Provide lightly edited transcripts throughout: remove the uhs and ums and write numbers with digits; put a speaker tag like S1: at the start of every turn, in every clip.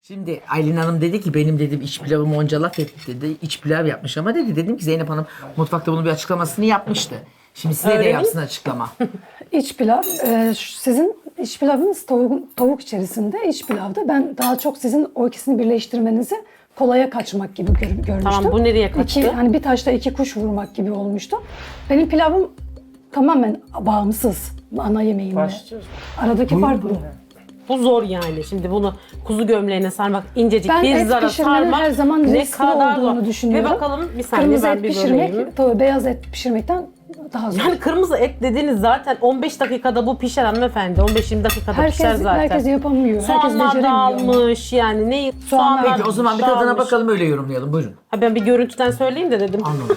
S1: Şimdi Aylin Hanım dedi ki benim dedim iç pilavımı onca laf etti dedi. İç pilav yapmış ama dedi. Dedim ki Zeynep Hanım mutfakta bunun bir açıklamasını yapmıştı. Şimdi size de
S2: Öğreneyim.
S1: yapsın açıklama.
S3: İç pilav, sizin iç pilavınız tavuk içerisinde iç pilavda. Ben daha çok sizin o ikisini birleştirmenizi kolaya kaçmak gibi görmüştüm.
S2: Tamam, bu nereye kaçtı?
S3: Hani bir taşla iki kuş vurmak gibi olmuştu. Benim pilavım tamamen bağımsız ana yemeğimle.
S4: Başlıyoruz.
S3: Aradaki fark bu.
S2: Bu zor yani. Şimdi bunu kuzu gömleğine sarmak, incecik
S3: Ben
S2: bir
S3: et
S2: zara
S3: pişirmenin
S2: sarmak
S3: her zaman
S2: ne
S3: riskli
S2: kadar
S3: olduğunu
S2: zor.
S3: düşünüyorum.
S2: Bir bakalım, bir saniye
S3: Kırmızı
S2: ben
S3: et
S2: bir
S3: pişirmek,
S2: böleyim.
S3: tabii beyaz et pişirmekten daha zor.
S2: Yani kırmızı et dediğiniz zaten 15 dakikada bu pişer hanımefendi. 15-20 dakikada pişer zaten.
S3: Herkes yapamıyor. Herkes
S2: Soğanlar
S3: beceremiyor.
S2: dağılmış yani ne
S3: Soğanlar-
S2: soğanlar
S1: Peki o zaman bir tadına
S2: dağılmış.
S1: bakalım öyle yorumlayalım. Buyurun.
S2: Ha, ben bir görüntüden söyleyeyim de dedim.
S1: Anladım.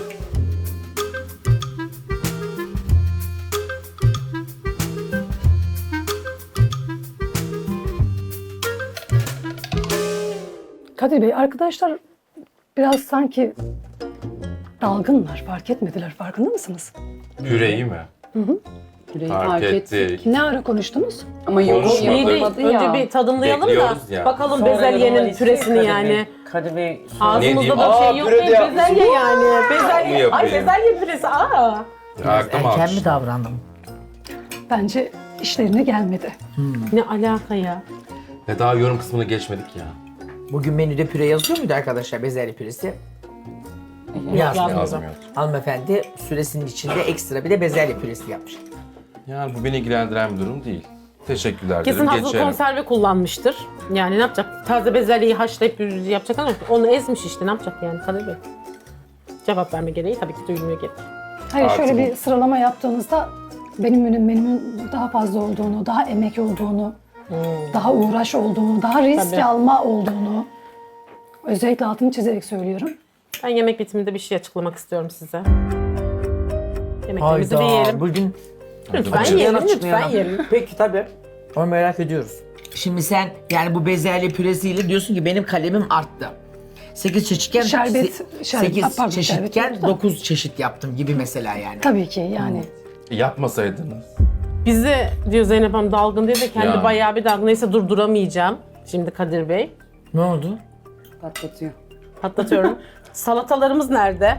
S3: Kadir Bey, arkadaşlar biraz sanki dalgınlar, fark etmediler. Farkında mısınız?
S5: Püreyi mi?
S6: Yüreği
S5: Fark ettik.
S3: Ne ara konuştunuz?
S6: Ama yorum
S5: Konuşmadık.
S2: İyi değil.
S6: yapılmadı ya.
S2: Önce bir tadımlayalım da
S5: Bekliyoruz ya.
S2: bakalım
S4: Sonra
S2: bezelyenin
S4: yorumlar
S2: püresini
S4: istiyor
S2: yani.
S4: Kadir Bey.
S2: Ağzımızda
S5: diyeyim?
S2: da
S5: Aa,
S2: şey yok
S5: püre de
S2: değil,
S5: yapmışsın.
S2: bezelye yani.
S5: Mı
S2: Bezelye, ay
S5: yapayım?
S2: bezelye püresi, aa.
S5: Aklım
S1: Erken
S5: almış.
S1: mi davrandım?
S3: Bence işlerine gelmedi.
S2: Ne alaka ya?
S5: Ve daha yorum kısmını geçmedik ya.
S1: Bugün menüde püre yazıyor muydu arkadaşlar? Bezelye püresi. Yazmıyor.
S5: Yazmıyor.
S1: Hanımefendi süresinin içinde ekstra bir de bezelye püresi yapmış.
S5: Yani bu beni ilgilendiren bir durum değil. Teşekkürler
S2: Kesin
S5: derim,
S2: hazır
S5: geçerim.
S2: konserve kullanmıştır. Yani ne yapacak? Taze bezelyeyi haşlayıp yapacak ama onu ezmiş işte, ne yapacak yani Kadir Bey? Cevap verme gereği tabii ki duyulmuyor gerek.
S3: Hayır,
S5: Artı
S3: şöyle
S5: bu.
S3: bir sıralama yaptığınızda benim menümün daha fazla olduğunu, daha emek olduğunu, daha uğraş olduğunu, daha risk
S2: Tabii.
S3: alma olduğunu özellikle altını çizerek söylüyorum.
S2: Ben yemek bitiminde bir şey açıklamak istiyorum size. Yemeklerimizi bir
S1: Hayda.
S2: yiyelim.
S1: Bugün
S2: Lütfen
S1: Açıklayalım,
S2: yiyelim, lütfen
S1: açıklayalım.
S2: yiyelim.
S1: Peki tabii. Onu merak ediyoruz. Şimdi sen yani bu bezelye püresiyle diyorsun ki benim kalemim arttı. 8 çeşitken
S3: Şerbet-
S1: 8
S3: pardon,
S1: çeşitken
S3: şerbet yok da.
S1: 9 çeşit yaptım gibi mesela yani.
S3: Tabii ki yani.
S5: Yapmasaydınız.
S2: Bizi diyor Zeynep Hanım dalgın diye de kendi
S5: Yani.
S2: bayağı bir dalgın. Neyse durduramayacağım. Şimdi Kadir Bey.
S1: Ne oldu?
S6: Patlatıyor.
S2: Patlatıyorum. Salatalarımız nerede?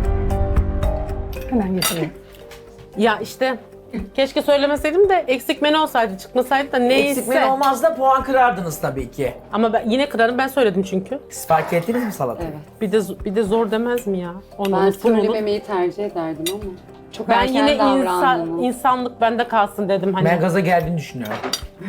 S3: Hemen getireyim.
S2: Ya işte keşke söylemeseydim de eksik menü olsaydı, çıkmasaydı da neyse.
S1: Eksik menü olmaz da puan kırardınız tabii ki.
S2: Ama ben yine kırarım, ben söyledim çünkü.
S1: Siz fark ettiniz mi salatayı?
S6: Evet.
S2: Bir de zor demez mi ya? Onu
S6: Ben
S2: unut, bunu unut.
S6: söylememeyi tercih ederdim ama. Çok
S2: Ben
S6: erken
S2: yine
S6: davrandınız.
S2: insanlık bende kalsın dedim hani.
S1: Ben gaza geldiğini düşünüyorum.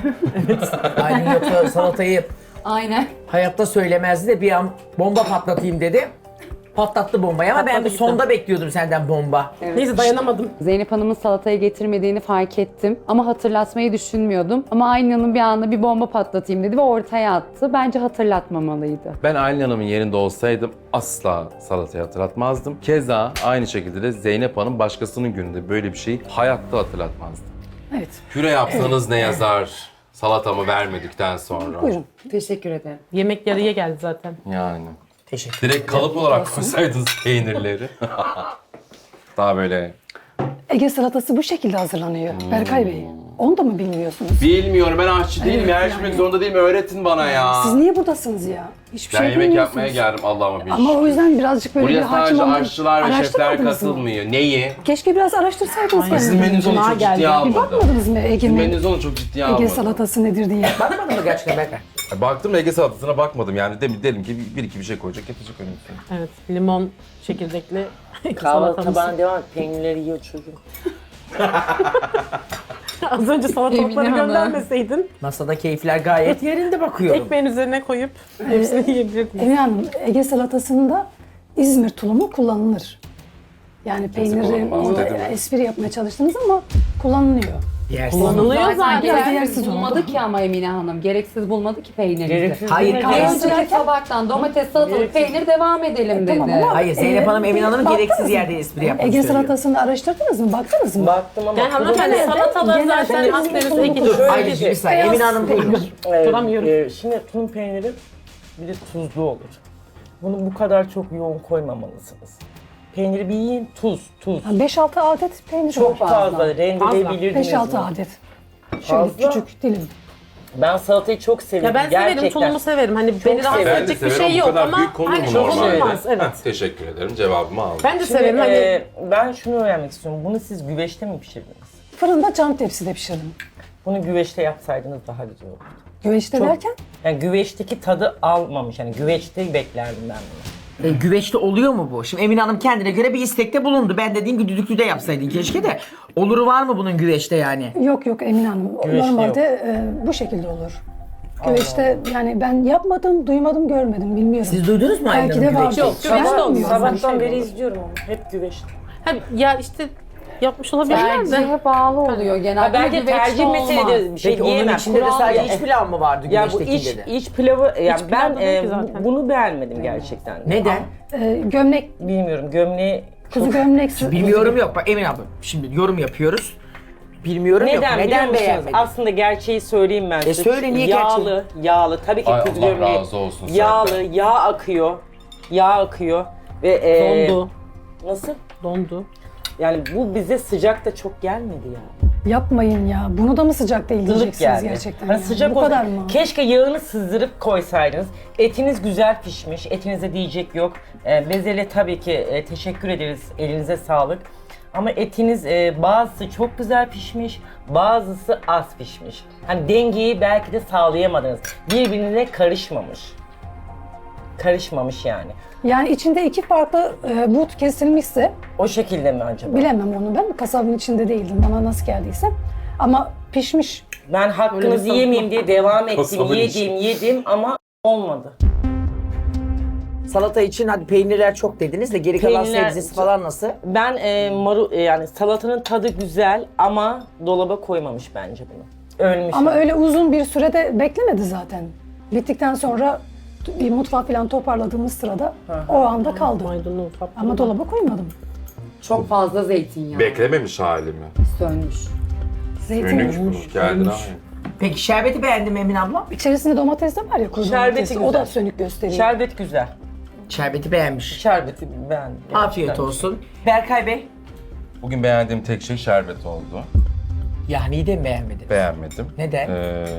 S1: Aynen, yoksa salatayı
S6: Aynen.
S1: hayatta söylemezdi de bir an bomba patlatayım dedi. Patlattı bombayı ama ben
S2: Patladı
S1: bu
S2: gitti.
S1: sonda bekliyordum senden bomba.
S2: Neyse dayanamadım.
S6: Zeynep Hanım'ın salatayı getirmediğini fark ettim. Ama hatırlatmayı düşünmüyordum. Ama Aynanın bir anda bir bomba patlatayım dedi ve ortaya attı. Bence hatırlatmamalıydı.
S5: Ben Aylin Hanım'ın yerinde olsaydım asla salatayı hatırlatmazdım. Keza aynı şekilde de Zeynep Hanım başkasının gününde böyle bir şeyi hayatta hatırlatmazdı.
S3: Evet.
S5: Püre yapsanız ne yazar salatamı vermedikten sonra?
S3: Buyurun.
S6: Teşekkür ederim.
S2: Yemek yarıya geldi zaten.
S5: Yani.
S1: Teşekkür
S5: Direkt kalıp olarak koysaydınız peynirleri. Daha böyle...
S3: Ege salatası bu şekilde hazırlanıyor. Berkay Bey. Onu da mı bilmiyorsunuz?
S5: Bilmiyorum, ben aşçı değilim. Yarışmak zorunda değilim. Öğretin bana ya.
S3: Siz niye buradasınız ya? Hiçbir
S5: Ben
S3: şey
S5: yemek
S3: bilmiyorsunuz.
S5: yapmaya geldim Allah'ıma bir
S3: Ama o yüzden birazcık böyle bir
S5: Buraya
S3: hakim
S5: sadece
S3: olmak...
S5: aşçılar ve şefler
S3: Araştırmadınız mı?
S5: katılmıyor. Neyi?
S3: Keşke biraz araştırsaydınız.
S5: Sizin
S3: kendiniz.
S5: menünüzü onu
S2: Cuma
S5: çok
S2: geldi.
S5: ciddiye
S3: Bir
S5: almadım.
S3: bakmadınız mı
S5: Sizin
S3: Ege'nin?
S5: menünüzü onu çok ciddiye
S3: Ege
S5: almadım.
S3: salatası nedir diye.
S1: Bakmadın mı gerçekten Berkay?
S5: Baktım Ege salatasına bakmadım yani dedim ki bir iki bir şey koyacak getirecek önümüze.
S2: Evet, limon çekirdekli
S4: Kahvaltı
S2: salatamız.
S4: tabağına devam et. Peynirleri yiyor çocuğum.
S2: Az önce salatalıkları
S6: Emine Hanım.
S2: göndermeseydin
S1: Masada keyifler gayet yerinde bakıyorum.
S2: ekmeğin üzerine koyup hepsini yiyebilirdin.
S3: Emine Hanım, Ege salatasında İzmir tulumu kullanılır. Yani peyniri,
S5: kullanmaz
S3: orada
S5: dedim.
S3: espri yapmaya çalıştınız ama kullanılıyor.
S1: Yersiz.
S2: Kullanılıyor
S6: Zaten
S2: zaten.
S6: gereksiz
S3: Yersiz
S6: bulmadı
S3: oldu.
S6: ki ama Emine Hanım. Gereksiz bulmadı ki peynirimizi.
S4: Gereksiz
S1: Hayır,
S4: değil mi?
S1: hayır.
S6: Önceki tabaktan domates, salatalık, peynir devam edelim dedi.
S3: Tamam ama
S1: Hayır, Zeynep Hanım Emin Hanım'ın
S3: baktınız
S1: gereksiz
S3: mı?
S1: yerde espri yapmak
S3: Ege
S1: istiyor.
S3: salatasını araştırdınız mı? Baktınız mı?
S4: Baktım ama
S2: Yani hanımefendi
S3: Genelde-
S2: salatalar
S3: genelde
S2: zaten
S3: bizim
S2: Akdeniz
S3: tulumu
S2: Ege.
S3: kullanıyoruz.
S1: Ayrıca bir saniye. Emin Hanım buyurun.
S2: Duramıyorum.
S4: Şimdi tulum peyniri bir de tuzlu olur. Bunu bu kadar çok yoğun koymamalısınız. Peyniri bir yiyin, tuz.
S3: 5-6 adet peynir
S4: Çok
S3: var.
S4: fazla rendeleyebilirdiniz.
S3: 5-6
S4: bunu.
S3: adet. Şöyle
S4: Fazla.
S3: küçük dilim.
S4: Ben salatayı çok severim.
S2: Ya ben severim,
S4: gerçekten.
S2: tulumu severim. Hani beni rahatsız
S4: severim.
S2: edecek bir
S5: severim
S2: şey
S5: ama
S2: yok
S5: bu kadar
S2: ama
S5: büyük konur mu
S2: hani
S5: normalde?
S2: olmaz. Evet.
S5: Heh, teşekkür ederim. Cevabımı aldım.
S2: Ben de
S4: Şimdi,
S2: severim. Hani
S4: ben şunu öğrenmek istiyorum. Bunu siz güveçte mi pişirdiniz?
S3: Fırında cam tepside pişirdim.
S4: Bunu güveçte yapsaydınız daha güzel olurdu.
S3: Güveçte derken
S4: Yani güveçteki tadı almamış. Yani güveçte beklerdim ben bunu.
S1: Güveçte oluyor mu bu? Şimdi Emine Hanım kendine göre bir istekte bulundu. Ben dediğim gibi düdüklüde yapsaydın keşke de. Oluru var mı bunun güveçte yani?
S3: yok Emine Hanım.
S4: Güveçte
S3: Normalde bu şekilde olur. Güveçte yani ben yapmadım, duymadım, görmedim, bilmiyorum.
S1: Siz duydunuz mu
S3: Belki
S1: Aylin
S3: de
S1: Hanım
S3: vardır.
S1: güveçte?
S2: Yok, güveçte
S3: Ben
S2: olmuyor.
S3: bilmiyorum.
S4: Sabahtan beri izliyorum onu. Hep güveçte.
S2: hani ya işte yapmış olabilirler de.
S6: Tercihe bağlı oluyor genelde.
S4: Ha, bence
S6: Güveçte
S4: tercih
S6: olmaz.
S4: meselesi bir şey
S1: Peki onun
S4: diyemem.
S1: içinde de
S4: Kural
S1: sadece
S4: ya.
S1: iç pilav mı vardı
S4: Ya bu
S1: güveçtekinde de?
S4: iç pilavı, yani
S2: pilav
S4: ben
S2: da değil ki zaten.
S4: bunu beğenmedim gerçekten.
S1: Neden?
S3: Gömlek,
S4: Bilmiyorum, gömleği
S3: kuzu gömlek.
S1: Bilmiyorum yok. Bak Emine abla şimdi yorum yapıyoruz. Bilmiyorum yok.
S4: neden biliyor
S1: Neden
S4: musunuz?
S1: beğenmedin?
S4: Aslında gerçeği söyleyeyim ben size.
S1: söyle, niye
S4: Yağlı. Tabii ki
S5: Ay,
S4: kuzu
S5: Allah
S4: gömleği.
S5: razı olsun
S4: Yağlı,
S5: senden.
S4: yağ akıyor. Yağ akıyor. Ve
S2: Dondu.
S4: Nasıl?
S2: Dondu.
S4: Yani bu bize sıcak da çok gelmedi ya.
S3: Yapmayın ya. Bunu da mı sıcak değil
S4: Ilık
S3: diyeceksiniz
S4: geldi.
S3: gerçekten.
S4: Hani
S3: ya.
S4: sıcak
S3: Bu
S4: olsa-
S3: kadar mı?
S4: Keşke yağını sızdırıp koysaydınız. Etiniz güzel pişmiş. Etinize diyecek yok. Bezelye tabii ki teşekkür ederiz. Elinize sağlık. Ama etiniz bazısı çok güzel pişmiş, bazısı az pişmiş. Hani dengeyi belki de sağlayamadınız. Birbirine karışmamış. Karışmamış yani.
S3: Yani içinde iki farklı but kesilmişse
S4: O şekilde mi acaba?
S3: bilemem onu ben. Kasabın içinde değildim. Bana nasıl geldiyse. Ama pişmiş.
S4: Ben
S2: Öyle bir
S4: hakkınızı
S2: sanatma.
S4: yemeyeyim diye devam ettim.
S5: Kasabın
S4: Yedim ama olmadı.
S1: Salata için hadi peynirler çok dediniz de geri kalan
S4: Peynirler-
S1: sebzesi falan nasıl?
S4: Ben yani salatanın tadı güzel ama dolaba koymamış bence bunu. Ölmüş.
S3: Ama
S4: yani.
S3: öyle uzun bir sürede beklemedi zaten. Bittikten sonra bir mutfak falan toparladığımız sırada o anda kaldı.
S2: Maydanoz, patlıcan.
S3: Ama dolaba koymadım.
S6: Çok fazla zeytinyağı.
S5: Beklememiş halimi.
S6: Sönmüş.
S3: Zeytin
S5: Önük
S3: olmuş.
S5: bu. Kendine ait.
S1: Peki şerbeti beğendin mi Emine abla?
S3: İçerisinde domates de var ya, kuru
S4: Şerbeti
S3: domates. O da
S4: güzel.
S3: sönük gösteriyor.
S4: Şerbet güzel.
S1: Şerbeti beğenmiş.
S4: Şerbeti beğendim.
S1: Afiyet
S4: Gerçekten.
S1: olsun. Berkay Bey.
S5: Bugün beğendiğim tek şey şerbet oldu.
S1: Yahni'yi de mi beğenmedin?
S5: Beğenmedim.
S1: Neden?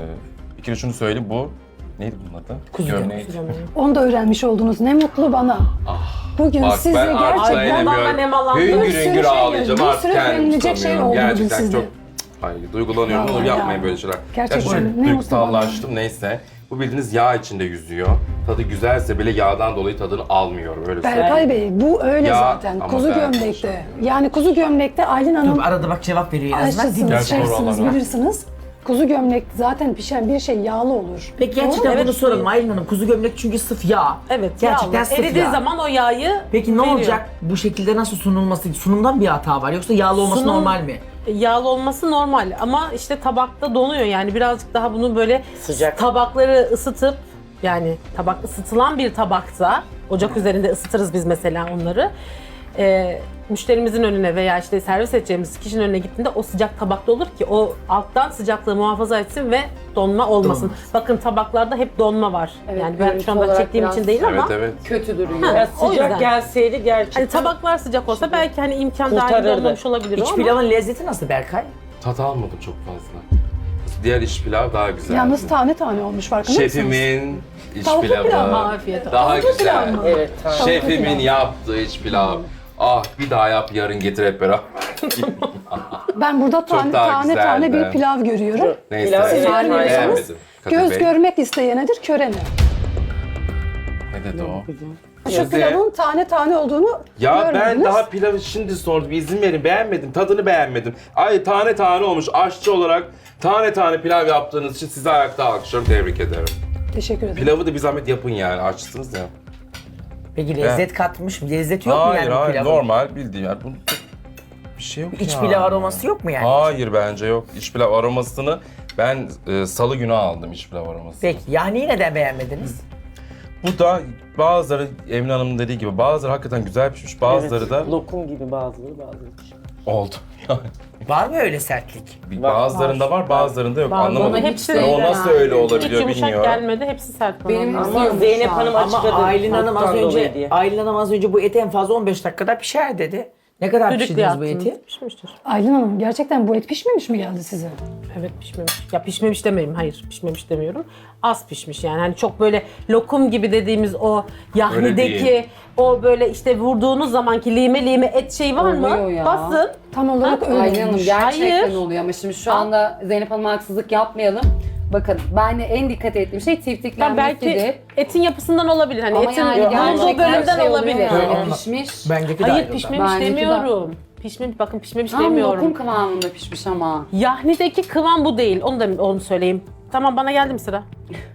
S5: Bir kere şunu söyleyeyim, bu neydi bunun adı?
S1: Kuzu
S5: Gömleği.
S3: Onu da öğrenmiş oldunuz. Ne mutlu bana. Bugün
S5: Bak
S3: size
S5: ben artık
S3: gerçekten
S2: dayanamıyorum. nemalandım.
S5: hüngür
S3: Bir sürü
S5: hüngür
S3: şey-
S5: ağlayacağım
S3: bir
S5: artık
S3: sürü
S5: kendimi
S3: övünülecek şey
S5: tutamıyorum.
S3: oldu bugün
S5: Gerçekten
S3: sizde.
S5: çok duygulanıyorum.
S3: Vallahi
S5: Olur
S3: ya.
S5: yapmayın böyle şeyler.
S3: Gerçekten
S5: Ya
S3: ne
S5: şu
S3: mutlu
S5: duygusallaştım neyse. Bu bildiğiniz yağ içinde yüzüyor. Tadı güzelse bile yağdan dolayı tadını almıyorum öyle söyleyeyim.
S3: Berkay Bey bu öyle
S5: Ya,
S3: zaten.
S5: ama
S3: Kuzu
S5: ben
S3: gömlekte.
S5: konuşamıyorum.
S3: Yani kuzu gömlekte Aylin Hanım
S1: Dur arada bak cevap veriyor en azından.
S3: aşçısınız,
S5: Gerçi doğru
S3: şefsiniz,
S5: olan o.
S3: bilirsiniz. Kuzu gömlek zaten pişen bir şey yağlı olur.
S1: Peki
S3: Doğru
S1: gerçekten
S3: mu?
S1: bunu soralım Aylin Hanım. Kuzu gömlek çünkü sıf yağ.
S2: Evet,
S1: Gerçekten
S2: yağlı.
S1: sıf
S2: Eridiği
S1: yağ.
S2: zaman o yağı
S1: Peki ne
S2: veriyor.
S1: olacak? Bu şekilde nasıl sunulması? Sunumdan bir hata var yoksa yağlı olması
S2: Sunum-
S1: normal mi?
S2: Yağlı olması normal ama işte tabakta donuyor yani birazcık daha bunu böyle
S4: Sıcak.
S2: tabakları ısıtıp yani tabak ısıtılan bir tabakta ocak üzerinde ısıtırız biz mesela onları. Müşterimizin önüne veya işte servis edeceğimiz kişinin önüne gittiğinde o sıcak tabakta olur ki o alttan sıcaklığı muhafaza etsin ve donma olmasın.
S1: Donmaz.
S2: Bakın tabaklarda hep donma var.
S6: Evet,
S2: yani ben
S6: görüntü
S2: şu anda
S6: olarak
S2: çektiğim
S6: biraz-
S2: için değil
S5: Evet
S2: ama
S5: evet.
S6: Kötü duruyor.
S4: Ya
S2: o
S4: sıcak
S2: yüzden.
S4: gelseydi gerçekten.
S2: hani tabaklar sıcak olsa belki hani imkan dahil
S4: Kurtarırdı.
S2: olmamış olabilir o
S1: İç
S2: ama.
S1: pilavın lezzeti nasıl Berkay?
S5: Tat almadım çok fazla. Diğer iç pilav daha güzel.
S3: Yalnız tane tane olmuş farkında mısınız?
S5: Şefimin iç
S3: Tavuklu pilav
S5: pilavı
S3: mı?
S2: Afiyet olsun.
S5: daha
S3: Tavuklu pilav
S5: güzel.
S3: mı?
S4: Evet, tamam.
S5: Şefimin yaptığı iç pilav. Ah bir daha yap yarın getir hep beraber.
S3: Ben burada tane
S5: daha
S3: tane,
S5: güzeldi.
S3: tane bir pilav görüyorum.
S5: Neyse.
S4: Pilav evet,
S5: Beğenmedim. Kadir
S3: Göz
S5: Bey.
S3: görmek isteyenedir, körene.
S5: Ne dedi o?
S3: Şu
S5: Gözde-
S3: pilavın tane tane olduğunu
S5: Ya ben
S3: görmediniz.
S5: daha pilavı şimdi sordum. İzin verin. Beğenmedim. Tadını beğenmedim. Ay tane tane olmuş. Aşçı olarak tane tane pilav yaptığınız için size ayakta alkışlıyorum. Tebrik ederim.
S3: Teşekkür ederim.
S5: Pilavı da bir zahmet yapın yani. Açsınız ya.
S1: Peki lezzet katmış mı? Lezzet yok mu
S5: Hayır
S1: yani bu
S5: hayır
S1: pilavın?
S5: normal bildiğin yani. Bunun bir şey yok
S1: İç
S5: ya.
S1: pilav aroması yok mu yani?
S5: Hayır bence yok. İç pilav aromasını ben salı günü aldım iç pilav aromasını.
S1: Peki Yahni'yi neden beğenmediniz?
S5: Bu da bazıları Emine Hanım'ın dediği gibi bazıları hakikaten güzel pişmiş, bazıları
S4: Evet,
S5: da
S4: lokum gibi bazıları pişmiş.
S5: oldu. Yani
S1: Var mı öyle sertlik?
S5: bazılarında var, bazılarında yok.
S2: Bazılarında
S5: Anlamadım.
S2: hepsi
S5: Yani o
S2: öyle
S5: nasıl
S2: yani.
S5: öyle
S2: Hiç
S5: olabiliyor
S2: yumuşak
S5: bilmiyorum.
S2: gelmedi, hepsi sert bana.
S6: Benim
S2: Ama
S4: Ama Zeynep Hanım
S1: Ama
S4: açıkladı.
S1: Aylin Hanım az
S4: soğuktan dolayı
S1: önce
S4: diye.
S1: Aylin Hanım az önce bu et en fazla 15 dakikada pişer dedi. Ne kadar
S2: Düdüklü
S1: pişirdiniz bu
S2: attınız.
S1: eti?
S2: Pişmiştir.
S3: Aylin Hanım gerçekten bu et pişmemiş mi geldi size?
S2: Evet pişmemiş. Ya pişmemiş demeyeyim. Hayır pişmemiş demiyorum. Az pişmiş yani. Hani çok böyle lokum gibi dediğimiz o
S5: Öyle
S2: yahnideki
S5: değil.
S2: o böyle işte vurduğunuz zamanki lime lime et şeyi var mı?
S6: Oluyor ya.
S2: Basın.
S3: Tam olarak öyle
S6: Aylin Hanım
S3: olmuş.
S6: gerçekten
S2: Hayır.
S6: oluyor ama şimdi şu anda Zeynep Hanım'a haksızlık yapmayalım. Bakın ben de en dikkat ettiğim şey
S2: Yani
S6: tiftiklenmesidir.
S2: belki etin yapısından olabilir. Hani
S6: Ama
S2: etin
S6: yani
S2: bulunduğu
S6: gerçekten
S2: bölümden
S6: şey oluyor
S2: olabilir.
S6: yani,
S1: Olmaz.
S6: pişmiş.
S1: Bendeki de
S2: Hayır
S1: ayrıldı.
S2: pişmemiş
S6: Bendeki de-
S2: demiyorum. Pişmemiş bakın pişmemiş
S6: Tam
S2: demiyorum.
S6: lokum kıvamında pişmiş ama.
S2: Yahnideki kıvam bu değil. Onu söyleyeyim. Tamam bana geldi mi sıra?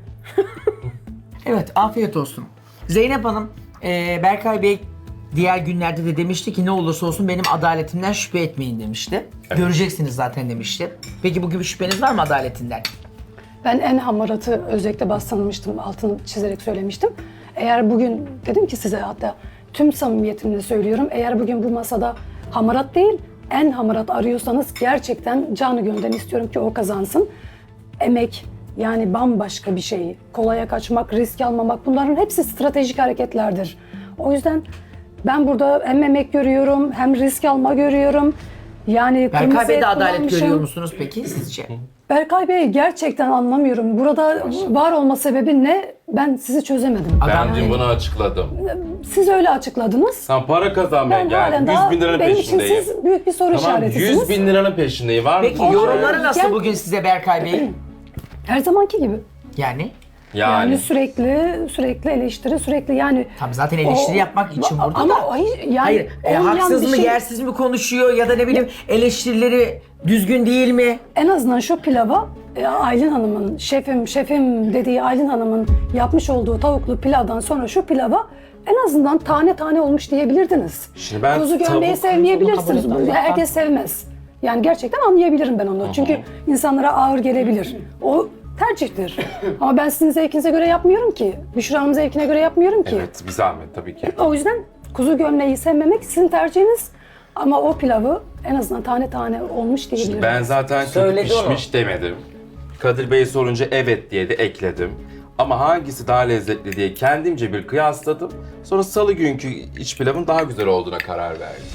S1: Evet, afiyet olsun. Zeynep Hanım, Berkay Bey diğer günlerde de demişti ki ne olursa olsun benim adaletimden şüphe etmeyin demişti. Göreceksiniz zaten demişti. Peki bugün bir şüpheniz var mı adaletinden?
S3: Ben en hamaratı özellikle bastırmıştım, altını çizerek söylemiştim. Eğer bugün, dedim ki size hatta tüm samimiyetimle söylüyorum, eğer bugün bu masada hamarat değil, en hamarat arıyorsanız gerçekten canı gönülden istiyorum ki o kazansın. Emek, yani bambaşka bir şey. Kolaya kaçmak, risk almamak bunların hepsi stratejik hareketlerdir. O yüzden ben burada hem emek görüyorum, hem risk alma görüyorum. Yani
S1: Berkay
S3: kırmızı
S1: Bey'de
S3: et
S1: adalet
S3: kullanmışım.
S1: görüyor musunuz peki sizce?
S3: Berkay Bey gerçekten anlamıyorum. Burada var olma sebebi ne? Ben sizi çözemedim.
S1: Adam
S5: Ben dün
S1: değil.
S5: bunu açıkladım.
S3: Siz öyle açıkladınız.
S5: Sen para kazanmaya
S3: Ben halen
S5: geldin. 100
S3: daha
S5: bin liranın
S3: benim için
S5: peşindeyim.
S3: siz büyük bir soru
S5: Tamam,
S3: işaretisiniz.
S5: 100 bin liranın peşindeyim. Var mı?
S1: Peki
S5: bir şey?
S1: yorumları nasıl
S3: Gel-
S1: bugün size Berkay Bey?
S3: Her zamanki gibi.
S1: Yani?
S3: Yani sürekli eleştiri, sürekli yani.
S1: Tabii zaten eleştiri yapmak için burada
S3: ama
S1: da.
S3: yani
S1: Hayır,
S3: olmayan
S1: haksız
S3: bir
S1: mı,
S3: şey-
S1: yersiz mi konuşuyor ya da ne bileyim eleştirileri düzgün değil mi?
S3: En azından şu pilava Aylin Hanım'ın, şefim dediği Aylin Hanım'ın yapmış olduğu tavuklu pilavdan sonra şu pilava en azından tane tane olmuş diyebilirdiniz.
S5: Şimdi ben
S3: Kuzu gömleği
S5: tavuk-
S3: sevmeyebilirsiniz.
S2: Kabul etmem.
S3: Herkes sevmez. Yani gerçekten anlayabilirim ben onu. Çünkü insanlara ağır gelebilir. O tercihtir. Ama ben sizin zevkinize göre yapmıyorum ki. Büşra Hanım'ın zevkine göre yapmıyorum ki.
S5: Evet, bir zahmet tabii ki.
S3: O yüzden kuzu gömleği sevmemek sizin tercihiniz. Ama o pilavı en azından tane tane olmuş diyebilirim.
S5: Ben zaten kötü
S4: Söyledi
S5: pişmiş demedim. Kadir Bey sorunca evet diye de ekledim. Ama hangisi daha lezzetli diye kendimce bir kıyasladım. Sonra salı günkü iç pilavın daha güzel olduğuna karar verdim.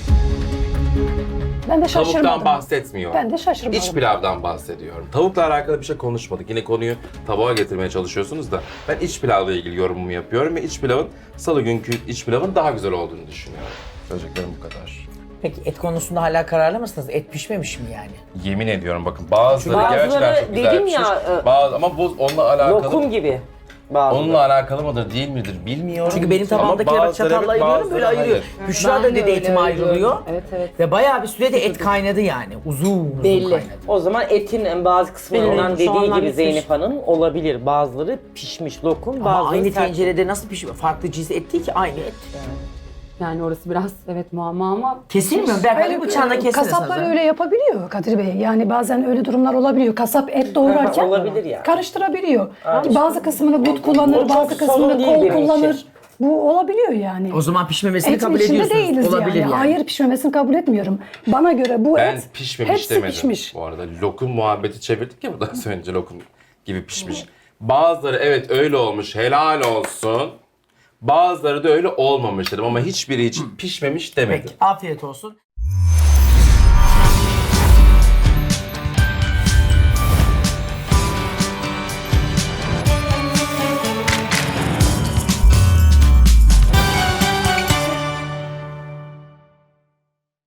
S3: Ben de şaşırmadım.
S5: Tavuktan bahsetmiyorum.
S3: Ben de şaşırmadım.
S5: İç pilavdan bahsediyorum. Tavukla alakalı bir şey konuşmadık. Yine konuyu tabağa getirmeye çalışıyorsunuz da ben iç pilavla ilgili yorumumu yapıyorum ve iç pilavın salı günkü iç pilavın daha güzel olduğunu düşünüyorum. Söyleyeceklerim bu kadar.
S1: Peki et konusunda hala kararlı mısınız? Et pişmemiş mi yani?
S5: Yemin ediyorum bakın bazıları
S4: Bazıları
S5: gerçekten çok güzel
S4: dedim
S5: pişmiş.
S4: ya,
S5: Ama bu onunla alakalı.
S4: Lokum gibi. Bazıları.
S5: Onunla alakalı mıdır değil midir bilmiyorum.
S1: Çünkü benim
S5: Ama
S1: tabağımdakiler bak
S5: bazıları
S1: çatalla
S5: evet,
S1: ayırıyorum böyle
S5: bazıları
S1: ayırıyor.
S5: hayır.
S1: Büşra
S6: Ben
S1: da
S6: de
S1: dedi
S6: öyle
S1: etim ayrılıyor.
S6: görüyorum. Evet.
S1: Ve bayağı bir sürede et kaynadı yani. Uzun
S6: Belli.
S1: kaynadı.
S4: O zaman etin bazı kısımlarından
S2: Belli, soğanlar
S4: dediği gibi
S2: bitmiş.
S4: Zeynep Hanım olabilir. Bazıları pişmiş lokum,
S1: Ama
S4: bazıları
S1: aynı
S4: sert.
S1: tencerede nasıl pişiyor? Farklı cins et değil ki aynı et.
S6: Yani orası biraz evet muamma ama
S1: Kesilmiyor mu? Berkay bir bıçağına kesilir
S3: Kasaplar
S1: sana.
S3: öyle yapabiliyor Kadir Bey. Yani bazen öyle durumlar olabiliyor. Kasap et doğrarken
S4: Olabilir yani.
S3: karıştırabiliyor. Bazı kısmını but
S4: O
S3: kullanır,
S4: çok
S3: bazı kısmını
S4: sorun değil
S3: kol
S4: benim
S3: kullanır.
S4: için.
S3: Bu olabiliyor yani.
S1: O zaman pişmemesini
S3: Etin
S1: kabul
S3: içinde
S1: ediyorsunuz.
S3: değiliz
S1: Olabilir yani.
S3: Hayır pişmemesini kabul etmiyorum. Bana göre bu
S5: Ben
S3: et
S5: pişmemiş
S3: hepsi
S5: demedim.
S3: pişmiş.
S5: Bu arada lokum muhabbeti çevirdik ya buradan önce lokum gibi pişmiş. Bazıları evet öyle olmuş helal olsun. Bazıları da öyle olmamış dedim ama hiçbiri için pişmemiş demedim.
S1: Peki afiyet olsun.